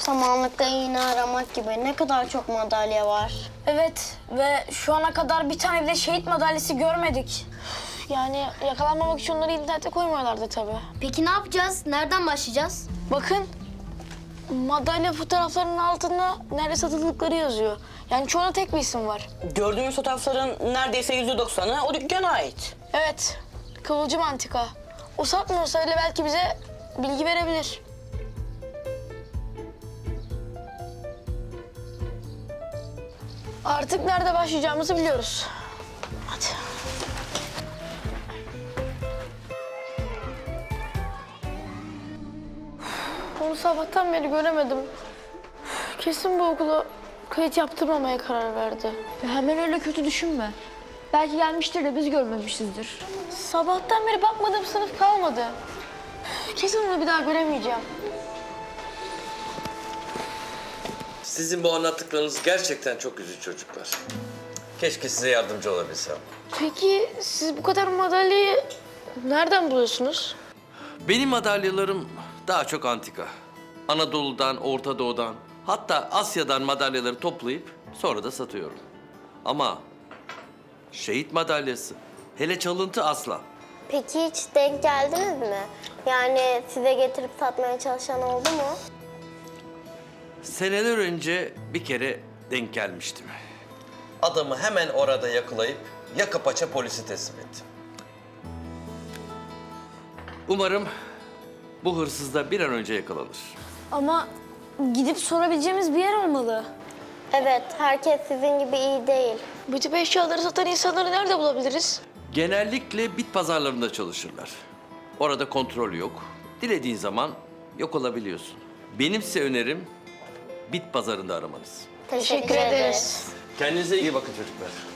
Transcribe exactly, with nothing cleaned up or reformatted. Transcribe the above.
Samanlıkta iğne aramak gibi ne kadar çok madalya var. Evet ve şu ana kadar bir tane bile şehit madalyası görmedik. Yani yakalanmamak için onları internete koymuyorlardı tabii. Peki ne yapacağız? Nereden başlayacağız? Bakın madalya fotoğraflarının altında nerede satıldıkları yazıyor. Yani çoğuna tek bir isim var. Gördüğümüz fotoğrafların neredeyse yüzde doksanı o dükkana ait. Evet, Kıvılcım Antika. O satmıyorsa bile belki bize bilgi verebilir. Artık nerede başlayacağımızı biliyoruz. Hadi. Onu sabahtan beri göremedim. Kesin bu okula kayıt yaptırmamaya karar verdi. Ya hemen öyle kötü düşünme. Belki gelmiştir de biz görmemişizdir. Sabahtan beri bakmadığım sınıf kalmadı. Kesin onu bir daha göremeyeceğim. Sizin bu anlattıklarınız gerçekten çok üzücü çocuklar. Keşke size yardımcı olabilsem. Peki siz bu kadar madalyayı nereden buluyorsunuz? Benim madalyalarım daha çok antika. Anadolu'dan, Orta Doğu'dan, hatta Asya'dan madalyaları toplayıp sonra da satıyorum. Ama şehit madalyası, hele çalıntı asla. Peki hiç denk geldiniz mi? Yani size getirip satmaya çalışan oldu mu? Seneler önce bir kere denk gelmiştim. Adamı hemen orada yakalayıp yaka paça polise teslim ettim. Umarım bu hırsız da bir an önce yakalanır. Ama gidip sorabileceğimiz bir yer olmalı. Evet, herkes sizin gibi iyi değil. Bu tip eşyaları satan insanları nerede bulabiliriz? Genellikle bit pazarlarında çalışırlar. Orada kontrol yok. Dilediğin zaman yok olabiliyorsun. Benim size önerim bit pazarında aramanız. Teşekkür, Teşekkür ederiz. Kendinize iyi bakın çocuklar.